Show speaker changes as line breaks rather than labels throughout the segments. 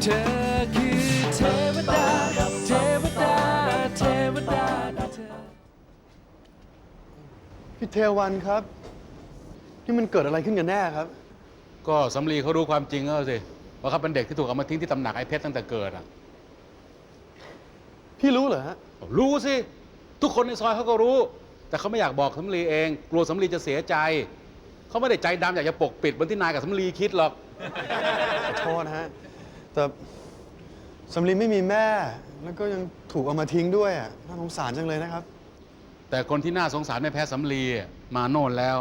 ธอคือเทวดาเทวดาเทวดา
พี่เทวันครับนี่มันเกิดอะไรขึ้นกันแน่ครับ
ก็สำลีเขารู้ความจริงแล้วสิว่าเขาเป็นเด็กที่ถูกเอามาทิ้งที่ตำหนักไอ้เพชรตั้งแต่เกิดอ่ะ
พี่รู้เหรอฮะ
รู้สิทุกคนในซอยเขาก็รู้ แต่เขาไม่อยากบอกสำลีเองกลัวสำลีจะเสียใจเขาไม่ได้ใจดำอยากจะปกปิดเหมือนที่นายกับสำลีคิดหรอก
ขอโทษนะฮะแต่สำลีไม่มีแม่แล้วก็ยังถูกเอามาทิ้งด้วยอ่ะน่าสงสารจังเลยนะครับ
แต่คนที่น่าสงสารไม่แพ้สำลีมาโน่นแล้ว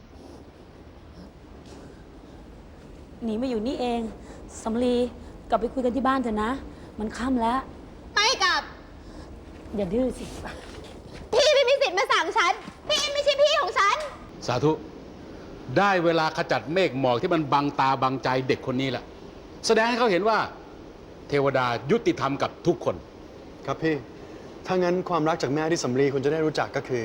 หนีมาอยู่นี่เองสำลีกลับไปคุยกันที่บ้านเถอะนะมันค่ำแล้ว
ไม่กลับ
อย่าดื้อสิ
พี่ไม่มีสิทธิ์มาสั่งฉันพี่ไม่ใช่พี่ของฉัน
สาธุได้เวลาขจัดเมฆหมอกที่มันบังตาบังใจเด็กคนนี้แหละแสดงให้เขาเห็นว่าเทวดายุติธรรมกับทุกคน
ครับพี่ถ้างั้นความรักจากแม่ที่สำลีคุณจะได้รู้จักก็คือ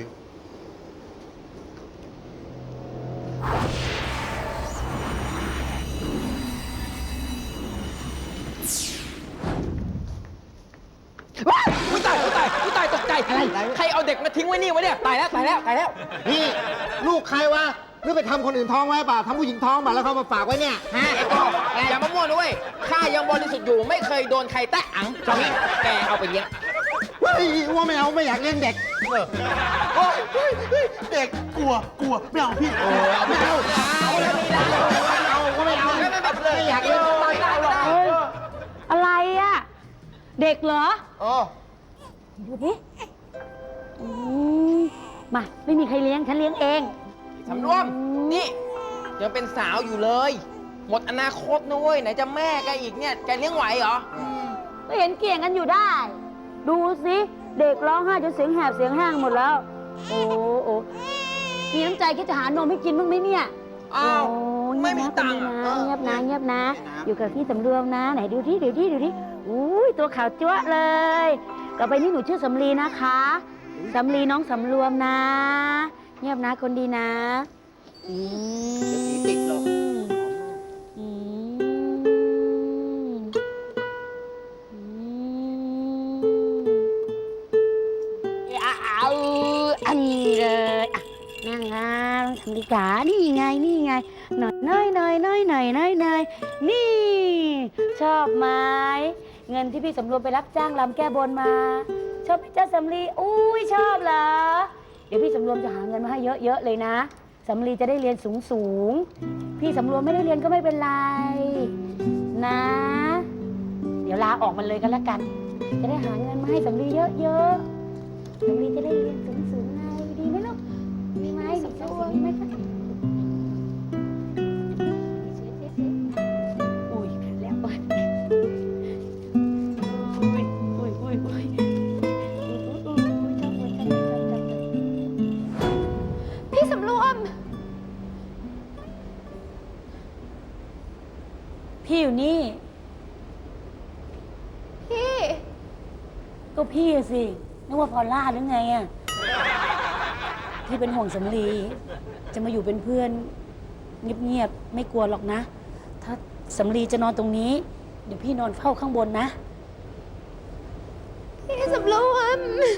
อุ้ยตายตกใจอะไรใครเอาเด็กมาทิ้งไว้นี่วะเนี่ยตายแล้ว
นี่ลูกใครวะหรือไปทำคนอื่นท้องไว้เปล่าทำผู้หญิงท้องมาแล้วเขามาฝากไว้เนี่ยฮะ
อย่ามามั่วด้วยข้ายังบริสุทธิ์อยู่ไม่เคยโดนใครแตะอังจอมแกเอาไปเลี้ยง
ว่าไม่เอาไม่อยากเลี้ยงเด็กเด็กกลัวไม่เอาพี่ไม่เอาไม่อยากเลี้ยง
อะไรอ่ะเด็กเหรอดูดิมาไม่มีใครเลี้ยงฉันเลี้ยงเอง
สำรวมนี่ยังเป็นสาวอยู่เลยหมดอนาคตนะเว้ยไหนจะแม่แกอีกเนี่ยแกเลี้ยงไหวเหรอ
ก็เห็นเกี่ยงกันอยู่ได้ดูสิเด็กร้องไห้จนเสียงแหบเสียงแห้งหมดแล้วโอ้มีน้ำใจคิดจะหานมให้กินบ้างไหมเนี่ย
อ้าวไม่มีตังค์
เงียบนะอยู่กับพี่สำรวมนะไหนดูที่อุ้ยตัวขาวจั๊วเลยต่อไปนี้หนูชื่อสำลีนะคะสำลีน้องสำรวมนะเงียบนะคนดีนะ
ติดหรอก
อันนี้เลยนั่งนะสำลีจ๋านี่ไงหน่อยนี่ชอบไหมเงินที่พี่สำรวมไปรับจ้างรำแก้บนมาชอบไหมจ๊ะสำลีอุ้ยชอบเหรอเดี๋ยวพี่สำรวมจะหาเงินมาให้เยอะๆเลยนะสำลีจะได้เรียนสูงพี่สำรวมไม่ได้เรียนก็ไม่เป็นไรนะเดี๋ยวลาออกมันเลยกันแล้วกันจะได้หาเงินมาให้สำลีเยอะๆสำลีจะได้เรียนสูงไงดีไหมลูกดีไหมดีไหมคะพี่อยู่นี่
พี่
ก็พี่สินึกว่าพอลล่าหรือไงอ่ะพี่เป็นห่วงสำลีจะมาอยู่เป็นเพื่อนเงียบๆไม่กลัวหรอกนะถ้าสำลีจะนอนตรงนี้เดี๋ยวพี่นอนเฝ้าข้างบนนะ
พี่สำรวม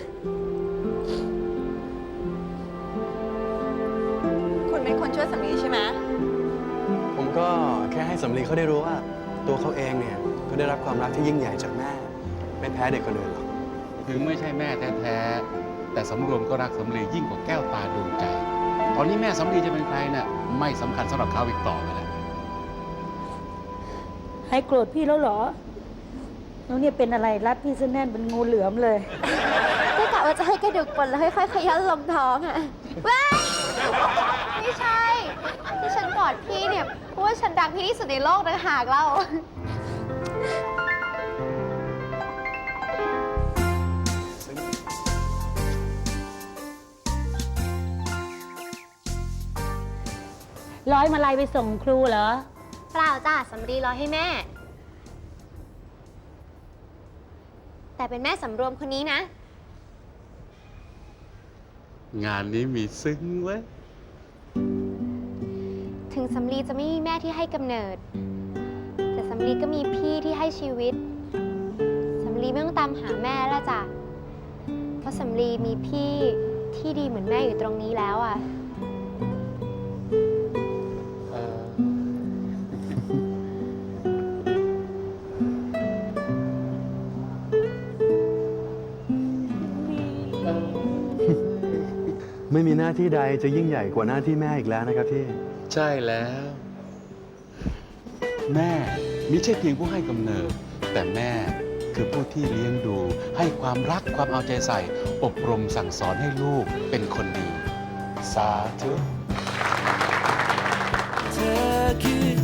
คุณเป็นคนช่วยสำลีใช่ไหม
ผมก็แค่ให้สำลีเขาได้รู้ว่าตัวเขาเองเนี่ยก็ได้รับความรักที่ยิ่งใหญ่จากแม่ไม่แพ้เด็กคนอื่นหรอก
ถึงไม่ใช่แม่แท้ๆแต่สำรวมก็รักสำลียิ่งกว่าแก้วตาดวงใจตอนนี้แม่สำลีจะเป็นใครเนี่ยไม่สำคัญสำหรับเขาอีกต่อไปแล้ว
ให้โกรธพี่แล้วเหรอแล้วเนี่ยเป็นอะไรรัดพี่ซะแน่นเป็นงูเหลือมเลย
ก็กะว่าจะให้กระดูกปนแล้วค่อยๆขยันลงท้องอ่ะว้าไม่ใช่ที่ฉันกอดพี่เนี่ยเพราะว่าฉันรักพี่ที่สุดในโลกต่างหากเรา
ร้อยมาลัยไปส่งครูเหรอ
เปล่าจ้าสำลีร้อยให้แม่แต่เป็นแม่สำรวมคนนี้นะ
งานนี้มีซึ้งเว้ย
ถึงสำลีจะไม่มีแม่ที่ให้กำเนิดแต่สำลีก็มีพี่ที่ให้ชีวิต สำลีไม่ต้องตามหาแม่แล้วจ้ะ เพราะสำลีมีพี่ที่ดีเหมือนแม่อยู่ตรงนี้แล้วอ่ะ
ไม่มีหน้าที่ใดจะยิ่งใหญ่กว่าหน้าที่แม่อีกแล้วนะครับพี่
ใช่แล้ว แม่มิใช่เพียงผู้ให้กำเนิด แต่แม่คือผู้ที่เลี้ยงดู ให้ความรักความเอาใจใส่ อบรมสั่งสอนให้ลูกเป็นคนดี สาธุ
เธอคือ